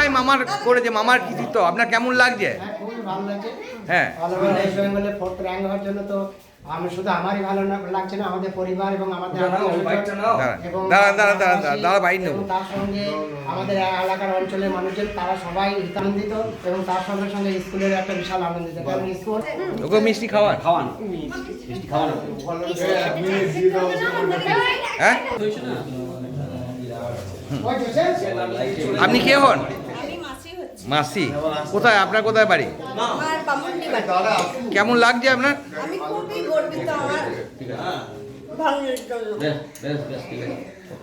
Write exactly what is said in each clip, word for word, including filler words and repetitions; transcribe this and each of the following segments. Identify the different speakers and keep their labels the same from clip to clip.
Speaker 1: মামার করেছে, মামার কৃতিত্ব আপনার কেমন লাগছে?
Speaker 2: হ্যাঁ, খুবই ভালো লাগছে।
Speaker 1: হ্যাঁ,
Speaker 2: অল ওভার ওয়েস্ট বেঙ্গলে ফোর্থ র্যাঙ্ক হওয়ার জন্য তো আমি শুধু আমারই ভালো না- লাগছে না, আমাদের পরিবার এবং আমাদের আত্মীয়স্বজন এবং
Speaker 1: দাঁড়ান দাঁড়ান দাঁড়ান দাঁড়ান দাঁড়া বাইর নেবো।
Speaker 2: এবং তার সঙ্গে আমাদের এলাকার অঞ্চলের মানুষজন তারা সবাই আনন্দিত এবং তার সঙ্গে সঙ্গে স্কুলের একটা বিশাল আনন্দিত, কারণ স্কুল
Speaker 1: ওকে মিষ্টি খাওয়ান
Speaker 3: খাওয়ান মিষ্টি খাওয়ানো।
Speaker 1: হ্যাঁ। আপনি কে হন?
Speaker 4: আমি মাসি হচ্ছি।
Speaker 1: মাসি, কোথায় আপনার, কোথায় বাড়ি?
Speaker 4: আমার বামুনডি বাড়ি।
Speaker 1: কেমন লাগছে আপনার?
Speaker 4: আমি খুবই গর্বিত আমার ভাঙনের জন্য।
Speaker 3: বেশ বেশ বেশ ঠিক আছে, ওকে।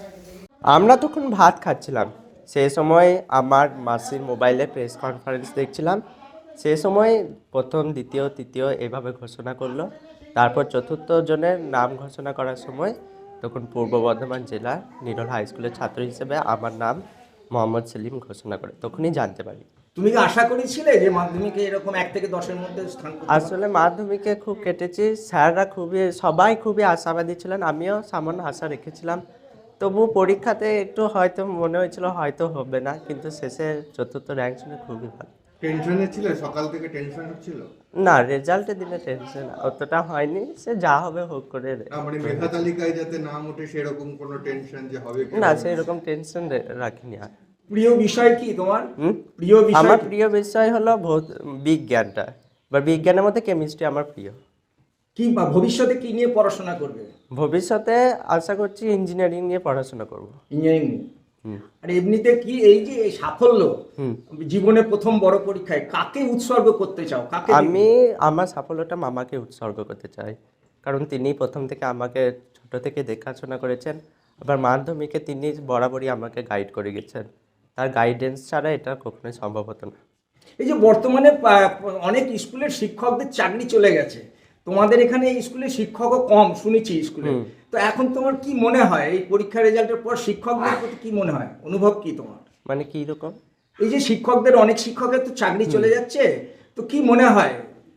Speaker 5: আমরা তখন ভাত খাচ্ছিলাম, সেই সময় আমার মাসির মোবাইলে প্রেস কনফারেন্স দেখছিলাম। সেই সময় প্রথম দ্বিতীয় তৃতীয় এভাবে ঘোষণা করলো। তারপর চতুর্থ জনের নাম ঘোষণা করার সময় তখন পূর্ব বর্ধমান জেলার নিরল হাই স্কুলের ছাত্র হিসেবে আমার নাম মোহাম্মদ সেলিম ঘোষণা করে, তখনই জানতে পারি।
Speaker 6: তুমি কি আশা করেছিলে যে মাধ্যমিকে এরকম এক থেকে দশের মধ্যে স্থান করতে পারবে?
Speaker 5: আসলে মাধ্যমিকে খুব কেটেছি, স্যাররা খুবই সবাই খুবই আশাবাদী ছিলেন, আমিও সামান্য আশা রেখেছিলাম। তবু পরীক্ষাতে একটু হয়তো মনে হয়েছিল হয়তো হবে না, কিন্তু শেষে চতুর্থ র্যাঙ্ক শুনে খুবই ভালো।
Speaker 7: টেনশনে ছিল, সকাল থেকে টেনশন হচ্ছিল?
Speaker 5: না, রেজাল্টের দিনে টেনশন অতটা হয়নি, সে যা হবে হোক করে।
Speaker 7: না মানে মেধা তালিকায় যাতে নাম ওঠে সেরকম কোনো টেনশন যে হবে কি
Speaker 5: না,
Speaker 7: হবে
Speaker 5: সেই রকম টেনশন রাখিনি আর।
Speaker 6: প্রিয় বিষয় কি তোমার?
Speaker 5: হুম?
Speaker 6: প্রিয় বিষয়
Speaker 5: আমার
Speaker 6: কি?
Speaker 5: প্রিয় বিষয় হলো ভৌত বিজ্ঞানটা, বা বিজ্ঞানের মধ্যে কেমিস্ট্রি আমার প্রিয়।
Speaker 6: কি বা ভবিষ্যতে কি নিয়ে পড়াশোনা করবে?
Speaker 5: ভবিষ্যতে আশা করছি ইঞ্জিনিয়ারিং নিয়ে পড়াশোনা করব।
Speaker 6: ইঞ্জিনিয়ারিং নিয়ে।
Speaker 5: হুম।
Speaker 6: আর এমনিতে কি এই যে এই সাফল্য
Speaker 5: হুম।
Speaker 6: জীবনে প্রথম বড় পরীক্ষায় কাকে উৎসর্গ করতে চাও? কাকে দিবে?
Speaker 5: আমি আমার সাফল্যটা মামাকে উৎসর্গ করতে চাই, কারণ তিনি প্রথম থেকে আমাকে ছোট থেকে দেখাশোনা করেছেন, আবার মাধ্যমিকে তিনি বরাবরই আমাকে গাইড করে গেছেন। তার গাইডেন্স ছাড়া এটা কখনোই সম্ভব হতো না।
Speaker 6: এই যে বর্তমানে আহ, অনেক স্কুলের শিক্ষকদের চাকরি চলে গেছে, তোমাদের এখানে স্কুলে শিক্ষকও কম শুনেছি স্কুলে, তো এখন তোমার কি মনে হয় এই পরীক্ষা রেজাল্টের পর শিক্ষকদের প্রতি কি মনে হয়, অনুভব কি তোমার?
Speaker 5: মানে কি রকম?
Speaker 6: এই যে শিক্ষকদের অনেক শিক্ষকের তো চাকরি চলে যাচ্ছে, তো কি মনে হয়?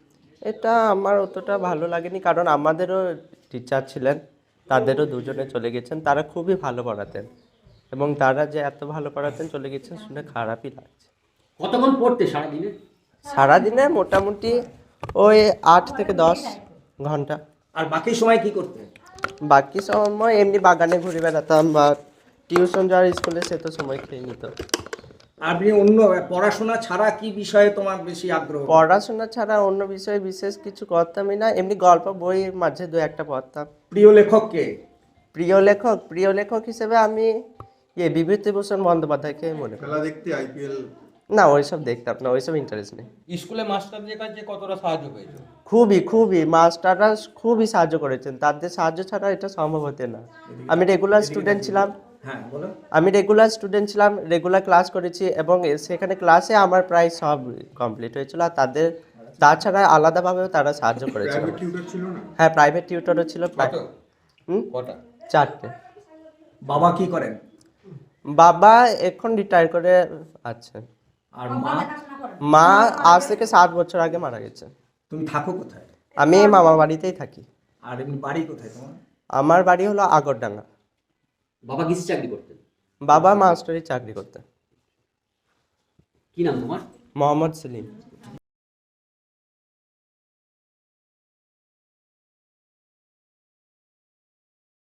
Speaker 5: এটা আমার অতটা ভালো লাগেনি, কারণ আমাদেরও টিচার ছিলেন, তাদেরও দুজনে চলে গেছেন, তারা খুবই ভালো পড়াতেন, এবং তারা যে এত ভালো পড়াতেন চলে গেছেন শুনে খারাপই লাগছে।
Speaker 3: কতক্ষণ পড়তে সারাদিনে?
Speaker 5: সারাদিনে মোটামুটি ওই আট থেকে দশ ঘন্টা।
Speaker 6: আর বাকি সময় কি করতে?
Speaker 5: বাকি সময় এমনি বাগানে ঘুরে বেড়াতাম, বা টিউশন যাওয়ার স্কুলে সে তো সময় খেয়ে নিত।
Speaker 6: আপনি অন্য পড়াশোনা ছাড়া কি বিষয়ে তোমার বেশি আগ্রহ?
Speaker 5: পড়াশোনা ছাড়া অন্য বিষয়ে বিশেষ কিছু করতামই না, এমনি গল্প বই মাঝে দু একটা পড়তাম।
Speaker 6: প্রিয় লেখক কে?
Speaker 5: প্রিয় লেখক প্রিয় লেখক হিসেবে আমি ইয়ে বিভূতিভূষণ বন্দ্যোপাধ্যায়কে মনে করি।
Speaker 7: খেলা দেখতে আইপিএল?
Speaker 5: না, ওইসব দেখতাম না, ওইসব ইন্টারেস্ট নেই।
Speaker 8: স্কুলে মাস্টারদের কাছে কতটা সাহায্য পেয়েছো?
Speaker 5: খুবই খুবই মাস্টাররা খুবই সাহায্য করেছেন, তাদের সাহায্য ছাড়া এটা সম্ভব হতে না। আমি রেগুলার স্টুডেন্ট ছিলাম
Speaker 6: হ্যাঁ বলো।
Speaker 5: আমি রেগুলার স্টুডেন্ট ছিলাম রেগুলার ক্লাস করেছি, এবং সেখানে ক্লাসে আমার প্রায় সব কমপ্লিট হয়েছিল। আর তাদের তাছাড়া আলাদাভাবেও তারা সাহায্য করেছিল।
Speaker 7: প্রাইভেট টিউটর ছিল না?
Speaker 5: হ্যাঁ, প্রাইভেট টিউটরও ছিল প্রায়
Speaker 8: কত?
Speaker 5: হুম
Speaker 8: কটা?
Speaker 5: চারটে।
Speaker 6: বাবা কি করেন?
Speaker 5: বাবা এখন রিটায়ার করে আছে।
Speaker 6: আর মা?
Speaker 5: মা আজ থেকে সাত বছর আগে মারা গেছে।
Speaker 6: তুমি থাকো কোথায়?
Speaker 5: আমি মামা বাড়িতেই থাকি।
Speaker 6: আর এমনি বাড়ি কোথায় তোমার?
Speaker 5: আমার বাড়ি হলো আগরডাঙ্গা।
Speaker 3: বাবা কিসে চাকরি করতেন?
Speaker 5: বাবা মাস্টারি চাকরি করতেন।
Speaker 3: কি নাম তোমার?
Speaker 5: মোহাম্মদ সেলিম।